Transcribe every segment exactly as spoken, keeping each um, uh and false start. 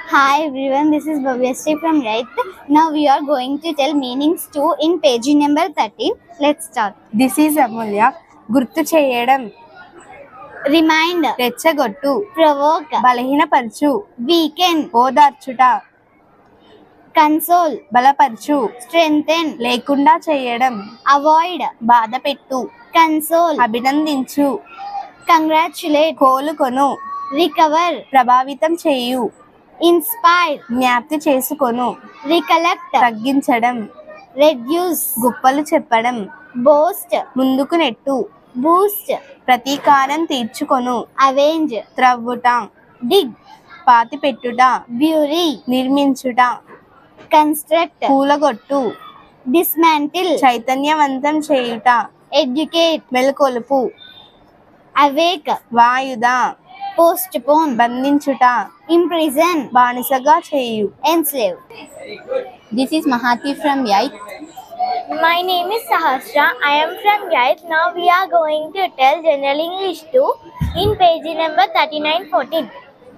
Hi everyone, this is Bhavyasri from Right. Now we are going to tell meanings two in page number thirteen. Let's start. This is Amulya. గుర్తు చేయడం, Remind, రెచ్చగొట్టు, provoke, బలహీనపరచు, weaken, ఓదార్చుట, console, బలపరచు, strengthen, లేకుండా చేయడం, avoid, బాధపెట్టు, console, అభినందించు, congratulate, కోలుకొను, recover, ప్రభావితం చేయు, inspire, జ్ఞాప్తి చేసుకొను, recollect, తగ్గించడం, reduce, గుప్పలు చెప్పడం, boast, ముందుకు నెట్టు, boost, ప్రతీకారం తీర్చుకొను, avenge, త్రవ్వుట, dig, పాతిపెట్టుట, bury, నిర్మించుట, construct, కూలగొట్టు, dismantle, చైతన్యవంతం చేయుట, educate, మెలకొలుపు, awake, వాయుద, postpone, బంధించుట, imprison, బానిసగా చేయు. enslave. This is Mahati from Yait. My name is Sahasra. I am from Yait. Now we are going to tell General English two in page number thirty-nine fourteen.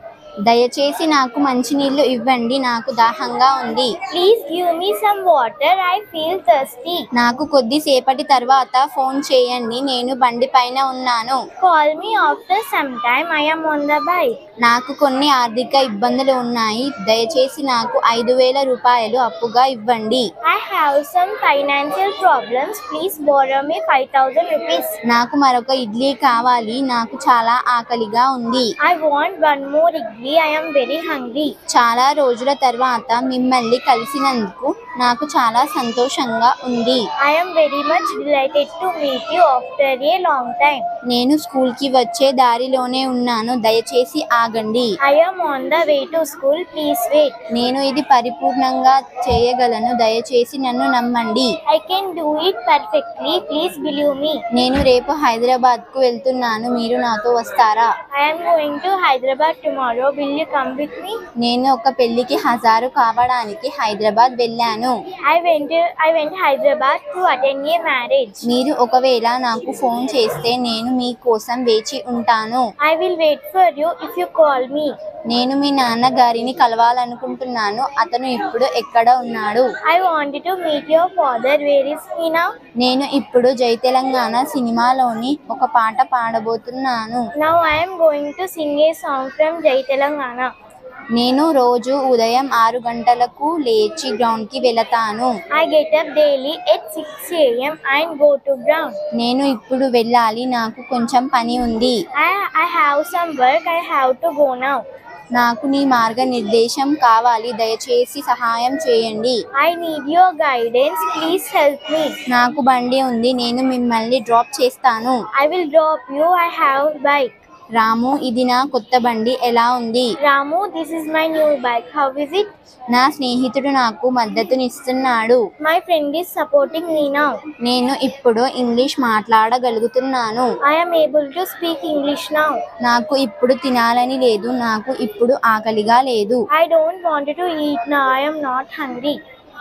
దయచేసి నాకు మంచినీళ్ళు ఇవ్వండి, నాకు దాహంగా ఉంది. Please give me some water. I feel thirsty. నాకు కొద్దిసేపటి తర్వాత phone చేయండి, నేను బండి పైన ఉన్నాను. Call me after some time. I am on the bike. నాకు కొన్ని ఆర్థిక ఇబ్బందులు ఉన్నాయి, దయచేసి నాకు ఐదు వేల రూపాయలు అప్పుగా ఇవ్వండి. I have some financial problems. Please borrow me five thousand rupees. నాకు మరొక ఇడ్లీ కావాలి, నాకు చాలా ఆకలిగా ఉంది. I want one more idli. I am very hungry. చాలా రోజుల తర్వాత మిమ్మల్ని కలిసినందుకు నాకు చాలా సంతోషంగా ఉంది. I am very much delighted to meet you after a long time. నేను స్కూల్కి వచ్చే దారిలోనే ఉన్నాను, దయచేసి ఆగండి. I am on the way to school. Please wait. నేను ఇది పరిపూర్ణంగా చేయగలను, దయచేసి నన్ను నమ్మండి. I can do it perfectly. Please believe me. నేను రేపు హైదరాబాద్కు వెళ్తున్నాను, మీరు నాతో వస్తారా? I am going to Hyderabad tomorrow. Will you come with me? నేను ఒక పెళ్లికి హాజరు కావడానికి హైదరాబాద్ వెళ్ళాను. I went to, I went to Hyderabad to attend a marriage. మీరు ఒకవేళ నాకు ఫోన్ చేస్తే నేను మీ కోసం వేచి ఉంటాను. I will wait for you if you call me. నేను మీ నాన్నగారిని కలవాలనుకుంటున్నాను, అతను ఇప్పుడు ఎక్కడ ఉన్నాడు? I wanted to meet your father. Where is he now? నేను ఇప్పుడు జై తెలంగాణ సినిమాలోని ఒక పాట పాడబోతున్నాను. Now I am going to sing a song from Jai Telangana. నేను రోజు ఉదయం ఆరు గంటలకు లేచి గ్రౌండ్ కి వెళతాను. I get up daily at six a m and go to ground. నేను ఇప్పుడు వెళ్ళాలి, నాకు కొంచెం పని ఉంది. I, I have some work. I have to go now. నాకు నీ మార్గనిర్దేశం కావాలి, దయచేసి సహాయం చేయండి. I need your guidance. Please help me. నాకు బండి ఉంది, నేను మిమ్మల్ని డ్రాప్ చేస్తాను. I will drop you. I have bike. రాము, ఇది నా కొత్త బండి, ఎలా ఉంది? Ramu, this is my new bike. How is it? నా స్నేహితుడు నాకు మద్దతునిస్తున్నాడు. My friend is supporting me now. నేను ఇప్పుడు ఇంగ్లీష్ మాట్లాడగలుగుతున్నాను. I am able to speak English now. నాకు ఇప్పుడు తినాలని లేదు, నాకు ఇప్పుడు ఆకలిగా లేదు. I don't want to eat now. I am not hungry.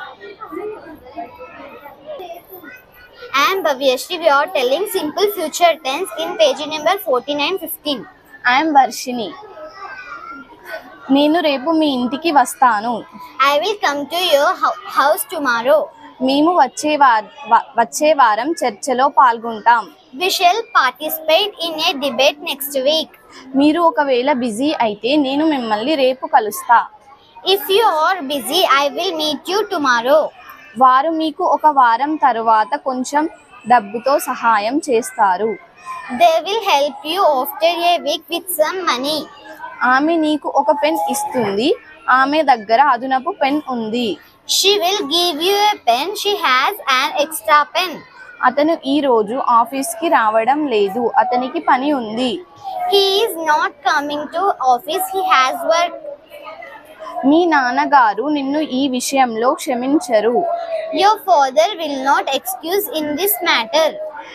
I am Bhavyasri. We are telling simple future tense in page number forty-nine fifteen. I'm Varshini. నేను రేపు మీ ఇంటికి వస్తాను. I will come to your hou- house tomorrow. మేము వచ్చే వార వ- వచ్చే వారం చర్చలో పాల్గొంటాం. We shall participate in a debate next week. మీరు ఒకవేళ బిజీ అయితే నేను మిమ్మల్ని రేపు కలుస్తా. If you are busy, I will meet you tomorrow. వారు మీకు ఒక వారం తరువాత కొంచెం డబ్బుతో సహాయం చేస్తారు. They will help you after a week with some money. ఆమె నీకు ఒక పెన్ ఇస్తుంది, ఆమె దగ్గర అదనపు పెన్ ఉంది. She will give you a pen. She has an extra pen. అతను ఈ రోజు ఆఫీస్కి రావడం లేదు, అతనికి పని ఉంది. He is not coming to office. He has work. మీ నాన్నగారు నిన్ను ఈ విషయంలో క్షమించరు. Your father will not excuse in this matter.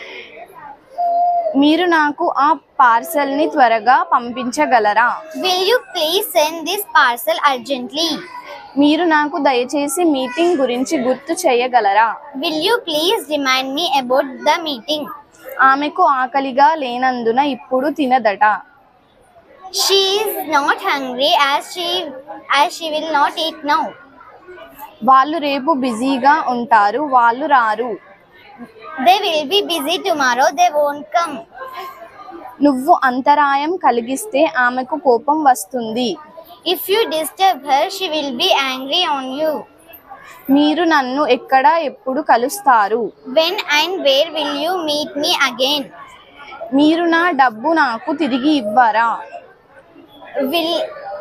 మీరు నాకు ఆ పార్సల్ని త్వరగా పంపించగలరా? Will you please send this parcel urgently? మీరు నాకు దయచేసి మీటింగ్ గురించి గుర్తు చేయగలరా? Will you please remind me about the meeting? ఆమెకు ఆకలిగా లేనందున ఇప్పుడు తినదట. She is not hungry as she as she will not eat now. వాళ్ళు రేపు బిజీగా ఉంటారు, వాళ్ళు రారు. They will be busy tomorrow, they won't come. నువ్వు అంతరాయం కలిగిస్తే ఆమెకు కోపం వస్తుంది. If you disturb her, she will be angry on you. మీరు నన్ను ఎక్కడ ఎప్పుడు కలుస్తారు? When and where will you meet me again? మీరు నా డబ్బు నాకు తిరిగి ఇవ్వరా? Will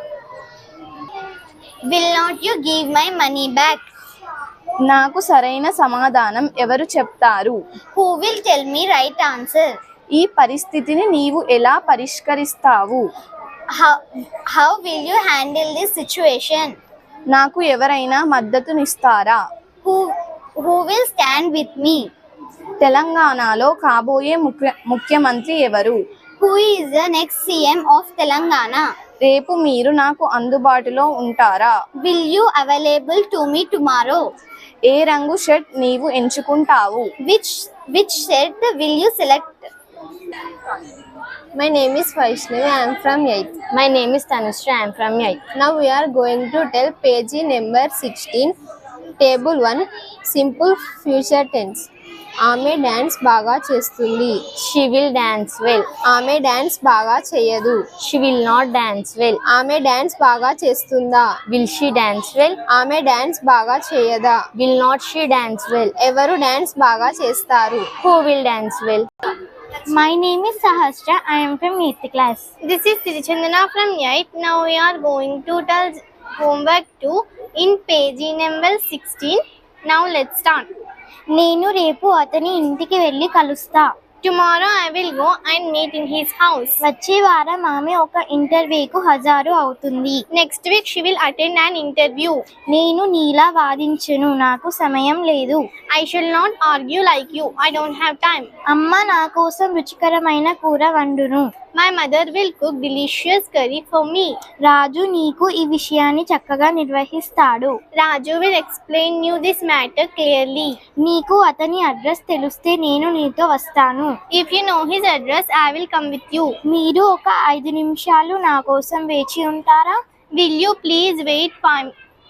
Will not you give my money back? నాకు సరైన సమాధానం ఎవరు చెప్తారు? Who will tell me right answer? ఈ పరిస్థితిని నీవు ఎలా పరిష్కరిస్తావు? How How will you handle this situation? నాకు ఎవరైనా మద్దతునిస్తారా? Who Who will stand with me? తెలంగాణలో కాబోయే ముఖ్య ముఖ్యమంత్రి ఎవరు? Who is the next C M of Telangana? రేపు మీరు నాకు అందుబాటులో ఉంటారా? Will you available to me tomorrow? ఏ రంగు షర్ట్ నీవు ఎంచుకుంటావు? Which Which shirt will you select? My name is Vaishnavi. I am from eighth. My name is Tanushree. I am from eighth. Now we are going to tell page number sixteen, table one, simple future tense. ఆమె dance బాగా చేస్తుంది. She will dance well. ఆమె dance బాగా చేయదు. She will not dance well. ఆమె dance బాగా చేస్తుందా? Will she dance well? ఆమె డాన్స్ బాగా చేయదా? Will not she dance well? ఎవరు డాన్స్ బాగా చేస్తారు? Who will dance well? My name is Sahasra. I am from eighth class. This is Trichandana from eighth. Now we are going to tell homework two in page number sixteen. Now let's start. నేను రేపు అతని ఇంటికి వెళ్ళి కలుస్తా. Tomorrow I will go and meet in his house. వచ్చే వారం ఆమె ఒక ఇంటర్వ్యూకు హాజరు అవుతుంది. Next week she will attend an interview. నేను నీలా వాదించను, నాకు సమయం లేదు. I shall not argue like you. I don't have time. అమ్మ నా కోసం రుచికరమైన కూర వండును. My mother will cook delicious curry for me. రాజు నీకు ఈ విషయాన్ని చక్కగా నిర్వహిస్తాడు. Raju will explain you this matter clearly. నీకు అతని అడ్రస్ తెలిస్తే నేను నీతో వస్తాను. If you know his address, I will come with you. మీరు ఒక ఐదు నిమిషాలు నా కోసం వేచి ఉంటారా? Will you please wait five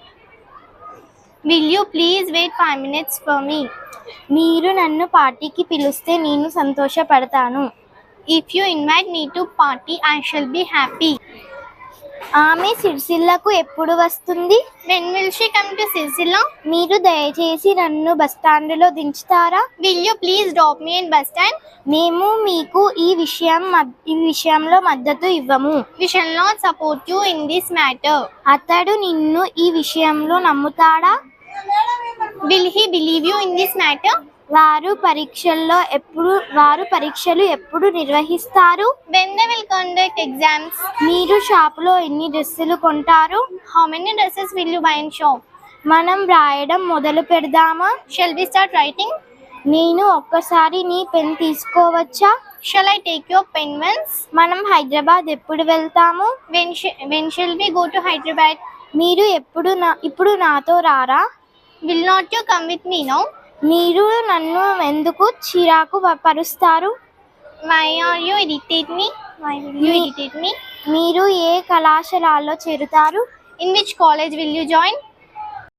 Will you please wait five minutes for me? మీరు నన్ను పార్టీకి పిలిస్తే నేను సంతోషపడతాను. If you invite me to party, I shall be happy. ఆమె సిరిసిల్లకు ఎప్పుడు వస్తుంది? When will she come to Sircilla? మీరు దయచేసి నన్ను బస్టాండులో దించుతారా? Will you please drop me in bus stand? మేము మీకు ఈ విషయం మద్- ఈ విషయంలో మద్దతు ఇవ్వము. We shall not support you in this matter. అతడు నిన్ను ఈ విషయంలో నమ్ముతాడా? Will he believe you in this matter? వారు పరీక్షల్లో ఎప్పుడు వారు పరీక్షలు ఎప్పుడు నిర్వహిస్తారు? When they will conduct exams? మీరు షాపులో ఎన్ని డ్రెస్సులు కొంటారు? How many dresses will you buy in shop? మనం రాయడం మొదలు పెడదామా? Shall we start writing? నేను ఒక్కసారి నీ పెన్ తీసుకోవచ్చా? Shall I take your pen once? మనం హైదరాబాద్ ఎప్పుడు వెళ్తాము? When, sh- when shall we go to Hyderabad? మీరు ఎప్పుడు నా ఇప్పుడు నాతో రారా? Will not you come with me now? మీరు నన్ను ఎందుకు చిరాకు ప- పరుస్తారు? Why are you irritate me? Why will you Me- irritate me? మీరు ఏ కళాశాలలో చేరుతారు? In which college will you join?